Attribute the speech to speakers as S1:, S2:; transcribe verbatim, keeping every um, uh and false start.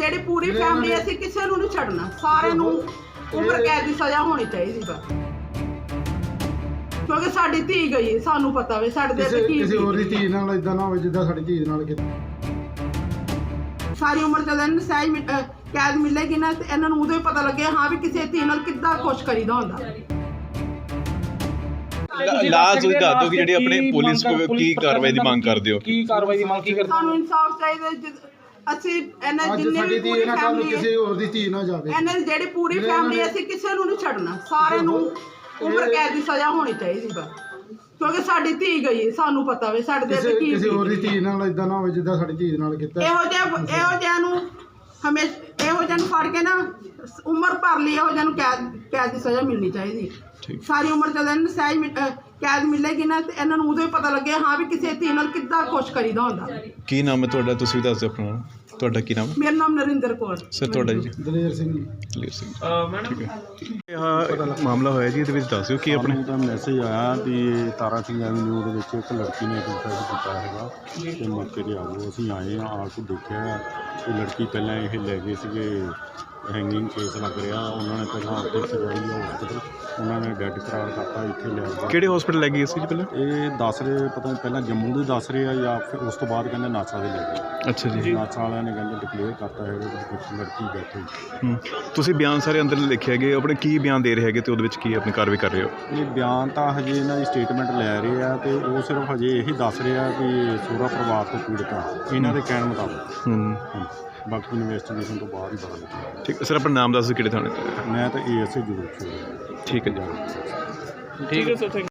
S1: ਜਿਹੜੀ ਪੂਰੀ ਫੈਮਿਲੀ ਅਸੀਂ ਕਿਸੇ ਨੂੰ ਨਹੀਂ ਛੱਡਣਾ, ਸਾਰਿਆਂ ਨੂੰ ਉਮਰ ਕੈਦ ਦੀ ਸਜ਼ਾ ਹੋਣੀ ਚਾਹੀਦੀ ਬਸ, ਕਿਉਂਕਿ ਸਾਡੀ ਧੀ ਗਈ ਹੈ, ਸਾਨੂੰ ਪਤਾ ਵੇ ਸਾਡੇ ਤੇ ਕੀ
S2: ਕਿਸੇ ਹੋਰ ਦੀ ਧੀ ਨਾਲ ਇਦਾਂ ਨਾ ਹੋਵੇ ਜਿੱਦਾਂ ਸਾਡੀ ਧੀ ਦੇ ਨਾਲ ਕੀਤਾ।
S1: ਸਾਰੀ ਉਮਰ ਜਦੋਂ ਇਹਨੂੰ ਸਹਿਜ ਮਿ- ਅਹ ਕੈਦ ਮਿਲੇਗੀ ਨਾ ਤੇ ਇਹਨਾਂ ਨੂੰ ਉਦੋਂ ਹੀ ਪਤਾ ਲੱਗੇ ਹਾਂ ਵੀ ਕਿਸੇ ਧੀ ਨਾਲ ਕਿੱਦਾਂ ਕੁਛ ਕਰੀਦਾ ਹੁੰਦਾ।
S3: ਲਾਜ ਤੁਸੀਂ ਦੱਸ ਦਿਓ ਕਿ ਜਿਹੜੀ ਆਪਣੀ ਪੁਲਿਸ ਕੀ ਕਾਰਵਾਈ ਦੀ ਮੰਗ ਕਰਦੇ ਹੋ?
S4: ਕੀ ਕਾਰਵਾਈ ਦੀ ਮੰਗ ਕੀ ਕਰਦੇ?
S1: ਸਾਨੂੰ ਇਨਸਾਫ ਚਾਹੀਦਾ। ਜਿ- ਅਸੀਂ ਇਹਨਾਂ
S2: ਅੱਜ
S1: ਜਿੰਨੇ
S2: ਸਾਡੀ
S1: ਵੀ
S2: ਧੀ
S1: ਪੂਰੀ
S2: ਨਾ ਕੱਲ ਨੂੰ
S1: ਫੈਮਿਲੀ
S2: ਕਿਸੇ ਹੋਰ ਦੀ ਧੀ ਨਾ ਜਾਵੇ।
S1: ਇਹਨਾਂ ਦੀ ਜਿਹੜੀ ਪੂਰੀ ਫੈਮਿਲੀ ਅਸੀਂ ਕਿਸੇ ਨੂੰ ਨਹੀਂ ਛੱਡਣਾ, ਸਾਰਿਆਂ ਨੂੰ ਉਮਰ ਕੈਦ ਦੀ ਸਜ਼ਾ ਹੋਣੀ ਚਾਹੀਦੀ ਬਸ, ਕਿਉਂਕਿ ਸਾਡੀ ਧੀ ਗਈ ਹੈ, ਸਾਨੂੰ ਪਤਾ ਵੇ ਸਾਡੇ ਤੇ ਕੀ
S2: ਕਿਸੇ ਹੋਰ ਦੀ ਧੀ ਨਾਲ ਇਦਾਂ ਨਾ ਹੋਵੇ ਜਿੱਦਾਂ ਸਾਡੀ ਧੀ ਦੇ ਨਾਲ ਕੀਤਾ।
S1: ਇਹੋ ਜਿਹਾ ਇਹੋ ਜਿਹਾ ਨੂੰ ਹਮੇਸ਼ਾ ਇਹੋ ਜਿਹਾ ਨੂੰ ਫੜ ਕੇ ਨਾ ਉਮਰ ਭਰ ਲਈ ਇਹੋ ਜਿਹਾ ਨੂੰ ਕੈਦ ਕੈਦ ਦੀ ਸਜ਼ਾ ਮਿਲਣੀ ਚਾਹੀਦੀ। ਸਾਰੀ ਉਮਰ ਜਦੋਂ ਇਹਨੂੰ ਸਹਿਜ ਮਿ- ਅਹ ਕੈਦ ਮਿਲੇਗੀ ਨਾ ਤੇ ਇਹਨਾਂ ਨੂੰ ਉਦੋਂ ਹੀ ਪਤਾ ਲੱਗੇ ਹਾਂ ਵੀ ਕਿਸੇ ਧੀ ਨਾਲ ਕਿੱਦਾਂ ਕੁਛ ਕਰੀਦਾ ਹੁੰਦਾ।
S3: ਕੀ ਨਾਮ ਹੈ ਤੁਹਾਡਾ? ਤੁਸੀਂ ਵੀ ਦੱਸ ਦਿਓ ਆਪਣਾ। ਤੁਹਾਡਾ ਕੀ ਨਾਮ ਹੈ?
S1: ਮੇਰਾ ਨਾਮ ਨਰਿੰਦਰ ਕੌਰ।
S3: ਸਰ ਤੁਹਾਡਾ ਜੀ?
S2: ਦਲੇਰ ਸਿੰਘ ਜੀ।
S3: ਦਲੇਰ ਸਿੰਘ। ਠੀਕ ਹੈ। ਇਹ ਮਾਮਲਾ ਹੋਇਆ ਜੀ, ਇਹਦੇ ਵਿੱਚ ਦੱਸ ਦਿਓ ਕੀ ਆਪਣੇ।
S5: ਸਾਨੂੰ ਤਾਂ ਮੈਸੇਜ ਆਇਆ ਵੀ ਤਾਰਾ ਸਿੰਘ ਐਵਨਿਊ ਦੇ ਵਿੱਚ ਇੱਕ ਲੜਕੀ ਨੇ ਸੁਸਾਈਡ ਕੀਤਾ ਹੈਗਾ ਤੇ ਮੌਕੇ 'ਤੇ ਆ ਗਏ। ਅਸੀਂ ਆਏ ਹਾਂ, ਆ ਕੇ ਦੇਖਿਆ ਕਿ ਲੜਕੀ ਪਹਿਲਾਂ ਇਹ ਲੈ ਗਏ ਸੀਗੇ, ਹੈਂਗਿੰਗ ਕੇਸ ਲੱਗ ਰਿਹਾ। ਉਹਨਾਂ ਨੇ ਪਹਿਲਾਂ ਉੱਥੇ ਕਰਵਾਈ ਆ ਹਸਪੀਟਲ, ਉਹਨਾਂ ਨੇ ਡੈਡ ਕਰਾਰ ਕਰਤਾ, ਇੱਥੇ ਲੈ ਗਏ।
S3: ਕਿਹੜੇ ਹਸਪੀਟਲ ਲੈ ਗਈ ਸੀ ਜੀ ਪਹਿਲਾਂ?
S5: ਇਹ ਦੱਸ ਰਹੇ, ਪਤਾ ਨਹੀਂ ਪਹਿਲਾਂ ਜੰਮੂ ਦੇ ਦੱਸ ਰਹੇ ਆ ਜਾਂ ਫਿਰ ਉਸ ਤੋਂ ਬਾਅਦ ਕਹਿੰਦੇ ਨਾਸਾ ਦੇ ਲੈ ਗਏ।
S3: ਅੱਛਾ ਜੀ।
S5: ਨਾਸਾ ਵਾਲਿਆਂ ਨੇ ਕਹਿੰਦੇ ਡਿਕਲੇਅਰ ਕਰਤਾ ਹੈਗਾ ਕਿ ਲੜਕੀ ਡੈਥ ਹੋਈ।
S3: ਹੂੰ। ਤੁਸੀਂ ਬਿਆਨ ਸਾਰੇ ਅੰਦਰ ਲਿਖੇ ਹੈਗੇ, ਆਪਣੇ ਕੀ ਬਿਆਨ ਦੇ ਰਹੇ ਹੈਗੇ ਤੇ ਉਹਦੇ ਵਿੱਚ ਕੀ ਆਪਣੀ ਕਾਰਵਾਈ ਕਰ ਰਹੇ ਹੋ?
S5: ਇਹ ਬਿਆਨ ਤਾਂ ਹਜੇ ਇਹਨਾਂ ਦੀ ਸਟੇਟਮੈਂਟ ਲੈ ਰਹੇ ਆ ਤੇ ਉਹ ਸਿਰਫ ਹਜੇ ਇਹੀ ਦੱਸ ਰਹੇ ਆ ਕਿ ਸਹੁਰਾ ਪਰਿਵਾਰ ਤੋਂ ਪੀੜਤ ਆ, ਇਹਨਾਂ ਦੇ ਕਹਿਣ ਮੁਤਾਬਕ।
S3: ਹੂੰ।
S5: ਬਾਕੀ ਇਨਵੈਸਟੀਗੇਸ਼ਨ ਤੋਂ ਬਾਅਦ ਹੀ ਪਤਾ ਲੱਗੇਗਾ।
S3: ਠੀਕ ਹੈ ਸਰ, ਆਪਣਾ ਨਾਮ ਦੱਸ ਦਿਓ ਕਿਹੜੇ ਥਾਣੇ ਤੋਂ?
S5: ਮੈਂ ਤਾਂ ਏ ਐਸ ਏ ਜ਼ਰੂਰ ਛੋੜਿਆ।
S3: ਠੀਕ ਹੈ ਜੀ।
S4: ਠੀਕ ਹੈ ਸਰ, ਥੈਂਕ